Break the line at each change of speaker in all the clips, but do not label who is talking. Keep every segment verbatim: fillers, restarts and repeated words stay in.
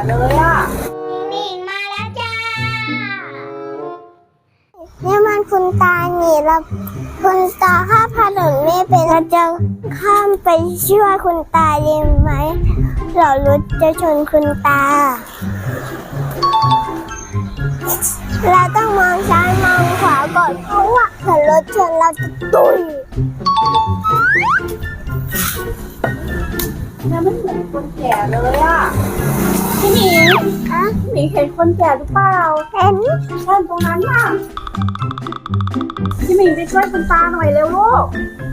เลยอ่ะ
มิงมาแล้วจ้าเนี่ยมันคุณตาหนีเราคุณตาข้ามถนนไม่เป็นเราจะข้ามไปช่วยคุณตาได้ไหมเรารถจะชนคุณตาเราต้องมองซ้ายมองขวาก่อนเพราะว่าถ้ารถชนเราจะตุย
เนี่ยมันเหมือนคนแก่เลยอ่ะพี่หมิง
อะ
พี่หมิงเห็นคนแก่หรือเปล่า
เห็น
ใช่ตรงนั้นน่ะพี่หมิงไปช่วยคุณตาหน่อยเร็วลูก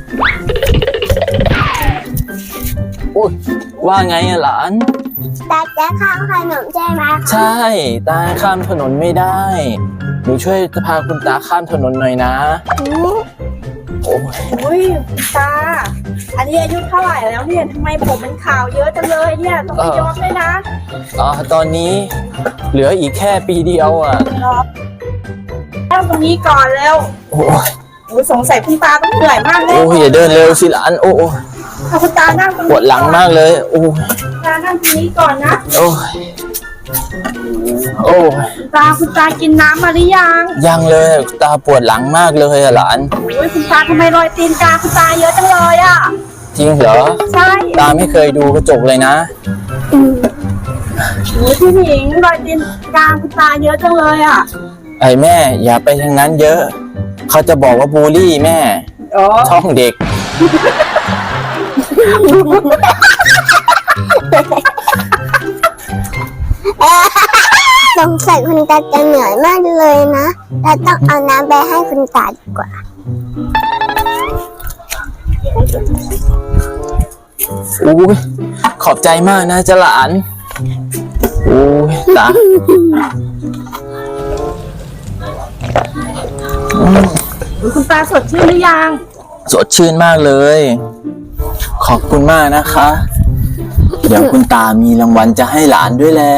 อุ๊ยว่าไงอะหลาน
ตาจะข้ามถนนใช่ไหมคะ
ใช่ตาข้ามถนนไม่ได้หนูช่วยพาคุณตาข้ามถนนหน่อยนะโอ้ย
อุ้ยคุณตาอันนี้อายุเท่าไหร่แล้วเนี่ยทำไมผมมันขาวเยอะจังเลยเนี่ยต้องไปย้อมเลยนะ
อ๋อตอนนี้เหลืออีกแค่ปีเดียวอ่ะ
รอนั่งตรงนี้ก่อนเร็ว
โอ้ย
โอ้สงสัยคุณตาต้องเหนื่อยมากเลย
โอ้ยอย่าเดินเร็วสิหลานโอ้ย
ถ้าคุณตานั่งตรงนี้
ปวดหลังมากเลยโอ้ย
คุณตานั่งตรงนี้ก่อนนะ
โอ้ยโอ้ย
คุณตาคุณตากินน้ำมาหรือยัง
ยังเลยตาปวดหลังมากเลยอะหลาน
โอ้ยคุณตาทำไมรอยตีนกาคุณตาเยอะจังเลยอ่ะ
จริงเหรอ
ใช่
ตาไม่เคยดูกระจกเลยนะ
โอ้ยพี่หมิงรอยตีนกาคุณตาเยอะจังเลยอ่ะ
ไอ้แม่อย่าไปทางนั้นเยอะเขาจะบอกว่าบูลลี่แม่
อ๋อ
ช่องเด็ก
สงสัยคุณตาจะเหนื่อยมากเลยนะเราต้องเอาน้ำไปให้คุณตาดีกว่า
อู้ยขอบใจมากนะจ๊ะหลานอู้ยตา
คุณตาสดชื่นหรือยัง
สดชื่นมากเลย ขอบคุณมากนะคะ เดี๋ยวคุณตามีรางวัลจะให้หลานด้วยแหละ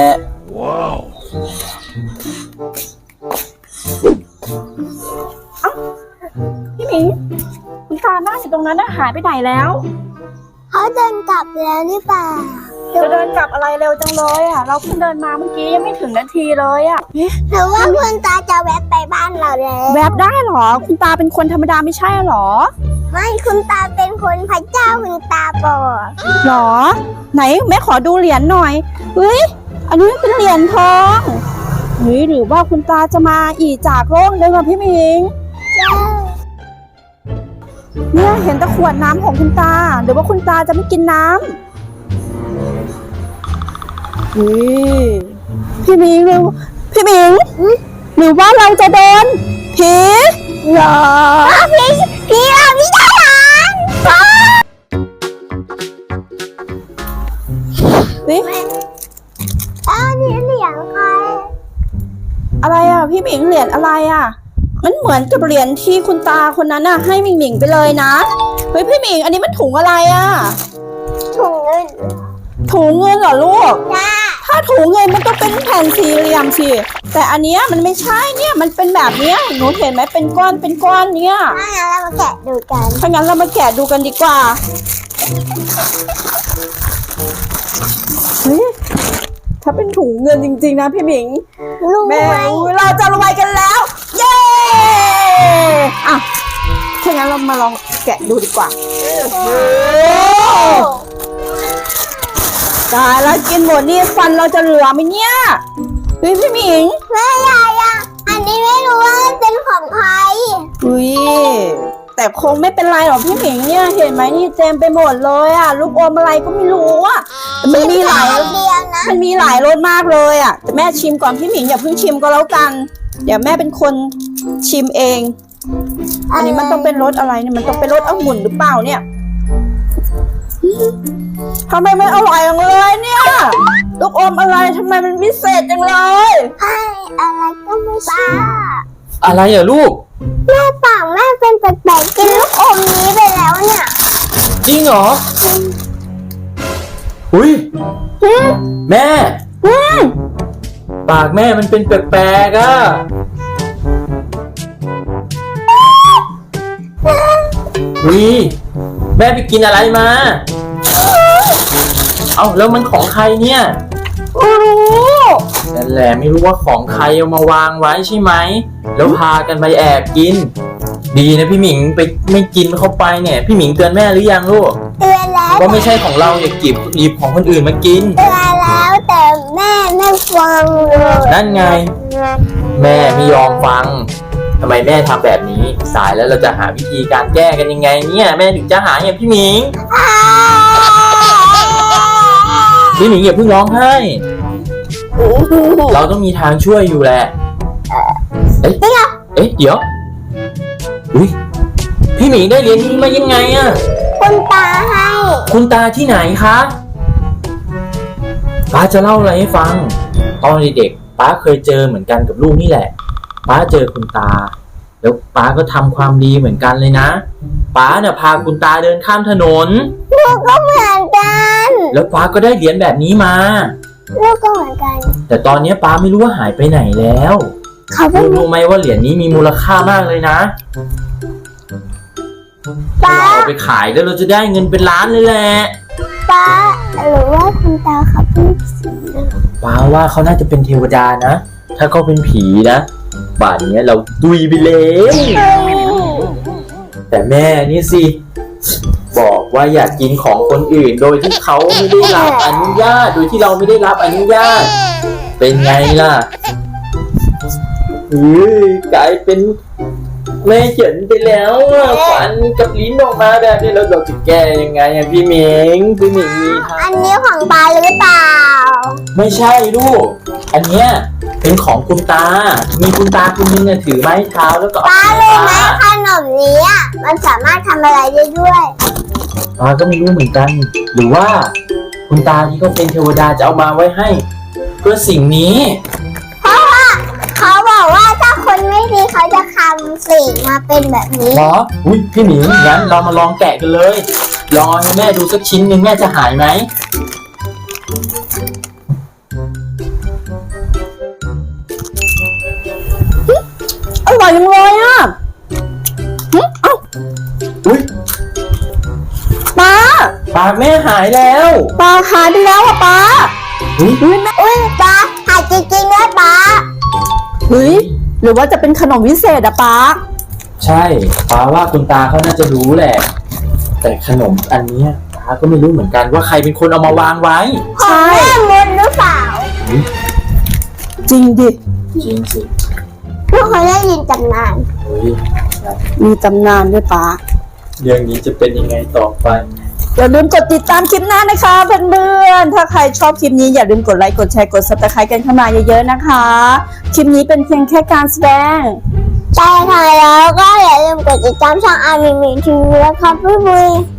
พี่หมิงคุณตานั่งอยู่ตรงนั้นน่ะหายไปไหนแล้ว
เขาเดินกลับแล้วหรือเปล่า
จะเดินกลับอะไรเร็วจังเลยอ่ะเราเพิ่งเดินมาเมื่อกี้ยังไม่ถึงนาทีเลยอ่ะ
หรือว่าคุณตาจะแวะไปบ้านเราแล้ว
แวบได้เหรอคุณตาเป็นคนธรรมดาไม่ใช่เหรอ
ไม่คุณตาเป็นคนพระเจ้าคุณตาบอก
หรอ ไหนแม่ขอดูเหรียญหน่อยเฮ้ยอันนี้เป็นเหรียญทองเฮ้ยหรือว่าคุณตาจะมาอีจากโลกเลยค่ะพี่หมิง
เจ้า
เนี่ยเห็นแตะขวดน้ำของคุณตาหรือว่าคุณตาจะไม่กินน้ำเฮ้ยพี่หมิงหรือพี่หมิงหรือว่าเราจะโดนผีหรอ
พี่พี่เราพี่ทหาร
เฮ้ย
อ้าวนี่เหรียญใคร
อะไรอ่ะพี่หมิงเหรียญอะไรอ่ะมันเหมือนกับเหรียญที่คุณตาคนนั้นน่ะให้หมิงหมิงไปเลยนะเฮ้ยพี่หมิงอันนี้มันถุงอะไรอ่ะ
ถุงเงิน
ถุงเงินเหรอลูก
จ้า
ถ้าถุงเงินมันต้องเป็นแผ่นสี่เหลี่ยมสิแต่อันเนี้ยมันไม่ใช่เนี่ยมันเป็นแบบเนี้ยหนูเห็นไหมเป็นก้อนเป็นก้อนเนี่ย
ถ้างั้นเรามาแกะดูกัน
ถ้างั้นเรามาแกะดูกันดีกว่าเฮ้ยถ้าเป็นถุงเงินจริงๆนะพี่หมิง
ลุง
แม่
ไหม
เราจะรวยกันแล้ว เย้อ่ะถ้างั้นเรามาลองแกะดูดีกว่าตายแล้วกินหมดนี่ฟันเราจะเหลือไหมเนี่ยเฮ้ยพี่หมิง
แม่ยายอ่ะอันนี้ไม่รู้ว่าเป็นของใคร
อุ้ยแต่คงไม่เป็นไรหรอกพี่หมิงเนี่ยเห็นไหมนี่เต็มไปหมดเลยอ่ะลูกอมอะไรก็ไม่รู้อ่ะมันมีหลาย
เดียวนะ
มันมีหลายรสมากเลยอ่ะแต่แม่ชิมก่อนพี่หมิงอย่าเพิ่งชิมก็แล้วกันเดี๋ยวแม่เป็นคนชิมเอง อันนี้มันต้องเป็นรสอะไรเนี่ยมันต้องเป็นรสองุ่นหรือเปล่าเนี่ยทำไมไม่อร่อยอย่างเลยเนี่ยลูกอมอะไรทำไมมันพิเศษจังเลย
ให้อะไรก็ไม่ทราบ
อะไรอ่ะลูก
แม่ปากแม่เป็นแปลกๆกินลูกอมนี้ไปแล้วเนี่ย
จริงเหรออุ้ยแม่ปากแม่มันเป็นแปลกๆอ่ะอุ้ยแม่ไปกินอะไรมา เอ้าแล้วมันของใครเนี่ย
กูรู้
นั่นแหละไม่รู้ว่าของใครเอามาวางไว้ใช่ไหมแล้วพากันไปแอบกิน ดีนะพี่หมิงไปไม่กินเข้าไปเนี่ยพี่หมิงเตือนแม่หรือยังลูก
เตือนแล้ว
ว่าไม่ใช่ของเราอย่ากิบหยิบของคนอื่นมากิน
เตือนแล้วแต่แม่ไม่ฟังเลย
นั่นไง แม่ไม่ยอมฟังทำไมแม่ทำแบบนี้สายแล้วเราจะหาวิธีการแก้กันยังไงเนี่ยแม่ถึงจะหาอย่างพี่หมิงพี่หมิงอย่าเพิ่งร้องไห้เราต้องมีทางช่วยอยู่แหละเอ๊ะเอ๊ะเดี๋ยวอุ้ยพี่หมิงได้เหรียญนี้มายังไงอะ
คุณตาให้
คุณตาที่ไหนคะป้าจะเล่าอะไรให้ฟังตอนเด็กๆป้าเคยเจอเหมือนกันกับลูกนี่แหละป้าเจอคุณตาแล้วป้าก็ทำความดีเหมือนกันเลยนะป้าเนี่ยพาคุณตาเดินข้ามถนน
ลูกก็เหมือนกัน
แล้วป้าก็ได้เหรียญแบบนี้มา
ลูกก็เหมือนกัน
แต่ตอนนี้ป้าไม่รู้ว่าหายไปไหนแล้ว
เขาเป็
ลู
น
กรู้ไหมว่าเหรียญนี้มีมูลค่ามากเลยนะ
ป้า
เราเอาไปขายแล้วเราจะได้เงินเป็นล้านเลยแหละ
ป้าหรือว่าคุณตาเขาเป็นผี
ป้าว่าเขาน่าจะเป็นเทวดานะ ถ้าเขาเป็นผีนะป่านนี้เราดุยไปแล้ว แต่แม่นี่สิบอกว่าอยากกินของคนอื่นโดยที่เขาไม่ได้รับอนุญาตโดยที่เราไม่ได้รับอนุญาต เป็นไงล่ะเฮ้ยกลายเป็นแม่เฉินไปแล้วอะฟันกับลิ้นออกมาแบบนี้แล้วเราจะแก้ยังไงอะพี่หมิงพี่หมิงมีทาง
อันนี้ของป้าหรือเปล่า
ไม่ใช่ลูก อันเนี้ยเป็นของคุณตา มีคุณตาคุณนึงเนี่ยถือไม้เท้าแล้วก็
ป้า
เอา
รู้ไหม
ป้า
ขนมนี้อ่ะมันสามารถทำอะไรได้ด้วย
ป้าก็ไม่รู้เหมือนกัน หรือว่าคุณตาที่เขาเป็นเทวดาจะเอามาไว้ให้เพื่อสิ่งนี้
เพราะว่าเขาบอกว่าถ้าคนไม่ดีเขาจะทำสิ่งมาเป็นแบบนี้
เหรอ อุ้ยพี่หมิงงั้นเรามาลองแกะกันเลย ลองให้แม่ดูสักชิ้นหนึ่งแม่จะหายไหม
อร่อยจังเลยอ่ะหึเอ้า
อุ้ย
ป้า
ปากแม่หายแล้ว
ปลาหายไปแล้วอ่ะป้า
อุ้ย
เฮ้ยแม่
อุ้ยป้าหายจริงๆด้วยป้า
เฮ้ยหรือว่าจะเป็นขนมวิเศษอะป้า
ใช่ป้าว่าคุณตาเขาน่าจะรู้แหละ แต่ขนมอันเนี้ยป้าก็ไม่รู้เหมือนกันว่าใครเป็นคนเอามาวางไว้
ใช่
แม่มดหรือเปล่า
จริงดิ
จริงสิ
ลูกเขาได้ยินตำนาน
เฮ้ย
มีตำนานด้วยป้า
เรื่องนี้จะเป็นยังไงต่อไป
อย่าลืมกดติดตามคลิปหน้านะคะเพื่อนๆถ้าใครชอบคลิปนี้อย่าลืมกดไลค์กดแชร์กด ซับสไครบ์ กันเข้ามาเยอะๆนะคะคลิปนี้เป็นเพียงแค่การแสดง
ใช่ค่ะแล้วก็อย่าลืมกดติดตามช่องอาร์มีมีทีวีและครับพี่บุย